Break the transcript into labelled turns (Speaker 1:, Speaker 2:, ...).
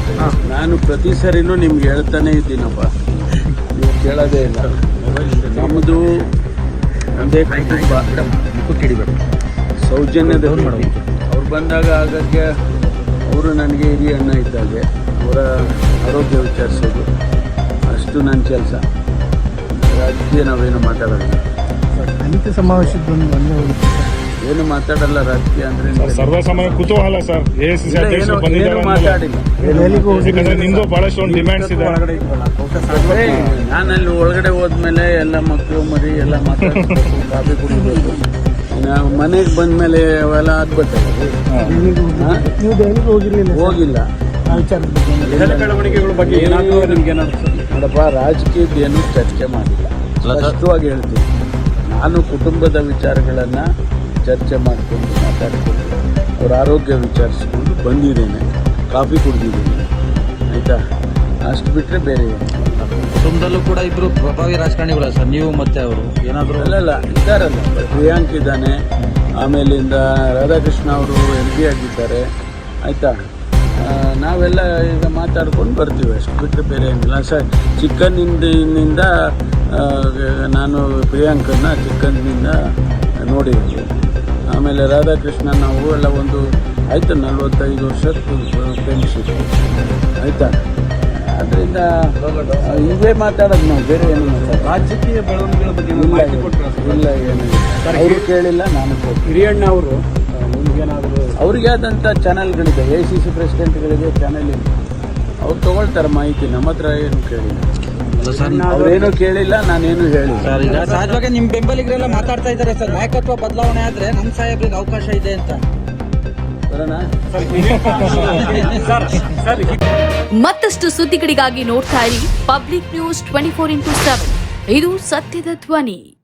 Speaker 1: ನಾನು ಪ್ರತಿ ಸರಿನೂ ನಿಮ್ಗೆ ಹೇಳ್ತಾನೆ ಇದ್ದೀನಪ್ಪ, ನೀವು ಕೇಳೋದೇ ಇಲ್ಲ. ನಮ್ಮದು ಒಂದೇ ಕುಟುಂಬ, ಸೌಜನ್ಯದ ಅವ್ರು ಬಂದಾಗ ಆಗಕ್ಕೆ ಅವರು ನನಗೆ ಹಿರಿಯ ಅಣ್ಣ ಇದ್ದಾಗೆ ಅವರ ಆರೋಗ್ಯ ವಿಚಾರಿಸೋದು ಅಷ್ಟು ನನ್ನ ಕೆಲಸ. ರಾಜಕೀಯ ನಾವೇನು ಮಾತಾಡೋಲ್ಲ,
Speaker 2: ದಲಿತ ಸಮಾವೇಶದ
Speaker 1: ಏನು ಮಾತಾಡಲ್ಲ. ರಾಜಕೀಯ ಅಂದ್ರೆ
Speaker 3: ಸರ್ವಸಾಮಾನ್ಯ ಕುತೂಹಲ ಸರ್.
Speaker 1: ಏನು ಮಾತಾಡಿಲ್ಲ.
Speaker 3: ನಿಮ್ದು ಬಹಳಷ್ಟು ಡಿಮ್ಯಾಂಡ್ಸ್ ಇದೆ.
Speaker 1: ನಾನಲ್ಲಿ ಒಳಗಡೆ ಹೋದ್ಮೇಲೆ ಎಲ್ಲ ಮಕ್ಕಳು ಮರಿ ಎಲ್ಲ ಮಾತಾಡ್ಬೇಕು, ಕಾಫಿ ಕುಡಿಬೇಕು. ನಾವು ಮನೆಗೆ ಬಂದ್ಮೇಲೆ ಅವೆಲ್ಲ ಆಗ್ಬಿಟ್ಟೆ.
Speaker 2: ನೀವು ದೆಹಲಿಗೆ ಹೋಗಿರ್ಲಿಲ್ಲ?
Speaker 1: ಹೋಗಿಲ್ಲ.
Speaker 3: ಬೆಳವಣಿಗೆಗಳ ಬಗ್ಗೆ
Speaker 1: ನೋಡಪ್ಪ, ರಾಜಕೀಯದ್ದೇನು ಚರ್ಚೆ ಮಾಡಿಲ್ಲ. ಸ್ಪಷ್ಟವಾಗಿ ಹೇಳ್ತೀನಿ, ನಾನು ಕುಟುಂಬದ ವಿಚಾರಗಳನ್ನು ಚರ್ಚೆ ಮಾಡಿಕೊಂಡು ಮಾತಾಡಿಕೊಂಡು ಅವ್ರ ಆರೋಗ್ಯ ವಿಚಾರಿಸ್ಕೊಂಡು ಬಂದಿದ್ದೇನೆ, ಕಾಫಿ ಕುಡಿದಿದ್ದೀನಿ, ಆಯಿತಾ? ಅಷ್ಟು ಬಿಟ್ಟರೆ ಬೇರೆ
Speaker 4: ಕುಟುಂಬದಲ್ಲೂ ಕೂಡ ಇಬ್ಬರು ಪ್ರಭಾವಿ ರಾಜಕಾರಣಿಗಳ ಸರ್, ನೀವು ಮತ್ತೆ ಅವರು ಏನಾದರೂ?
Speaker 1: ಅಲ್ಲಲ್ಲ, ಇದ್ದಾರಲ್ಲ, ಪ್ರಿಯಾಂಕ್ ಇದ್ದಾನೆ, ಆಮೇಲಿಂದ ರಾಧಾಕೃಷ್ಣ ಅವರು MP ಆಗಿದ್ದಾರೆ, ಆಯಿತಾ? ನಾವೆಲ್ಲ ಈಗ ಮಾತಾಡ್ಕೊಂಡು ಬರ್ತೀವಿ, ಅಷ್ಟು ಬಿಟ್ಟರೆ ಬೇರೆ ಏನಿಲ್ಲ ಸರ್. ಚಿಕ್ಕಂದಿನಿಂದ ನಾನು ಪ್ರಿಯಾಂಕನ್ನ ಚಿಕ್ಕಂದಿನಿಂದ ನೋಡಿದ್ದೀವಿ. ಆಮೇಲೆ ರಾಧಾಕೃಷ್ಣ ನಾವು ಎಲ್ಲ ಒಂದು ಆಯಿತು 45 ವರ್ಷದ ಫ್ರೆಂಡ್ಶಿಪ್, ಆಯಿತಾ? ಅದರಿಂದ ಇವೇ ಮಾತಾಡೋದು ನಾವು, ಬೇರೆ ಏನು ಮಾತಾಡೋದು.
Speaker 2: ರಾಜಕೀಯ ಬೆಳವಣಿಗೆಗಳ ಬಗ್ಗೆ
Speaker 1: ಇಲ್ಲ, ಏನಿಲ್ಲ. ಅವರು ಕೇಳಿಲ್ಲ, ನಾನು
Speaker 2: ಹಿರಿಯಣ್ಣ ಅವರು ನಿಮ್ಗೇನಾದರೂ
Speaker 1: ಅವ್ರಿಗೆ ಆದಂಥ ಚಾನಲ್ಗಳಿದೆ, ACC ಪ್ರೆಸಿಡೆಂಟ್ಗಳಿಗೆ ಚಾನಲ್ ಇದೆ, ಅವ್ರು ತೊಗೊಳ್ತಾರೆ ಮಾಹಿತಿ. ನಮ್ಮ ಹತ್ರ ಏನು ಕೇಳಿಲ್ಲ, ಅವ್ರೇನು ಕೇಳಿಲ್ಲ, ನಾನೇನು ಹೇಳಿಲ್ಲ.
Speaker 4: ಸರ್, ಈಗ ಸಹಜವಾಗಿ ನಿಮ್ಮ ಬೆಂಬಲಿಗರೆಲ್ಲ ಮಾತಾಡ್ತಾ ಇದ್ದಾರೆ ಸರ್, ನಾಯಕತ್ವ ಬದಲಾವಣೆ ಆದ್ರೆ ನಮ್ಮ ಸಾಹೇಬ್ರಿಗೆ ಅವಕಾಶ ಇದೆ ಅಂತ.
Speaker 1: ಬರೋಣ.
Speaker 5: ಮತ್ತಷ್ಟು ಸುದ್ದಿಗಳಿಗಾಗಿ ನೋಡ್ತಾ ಇರಿ ಪಬ್ಲಿಕ್ ನ್ಯೂಸ್ 24x7. ಇದು ಸತ್ಯದ ಧ್ವನಿ.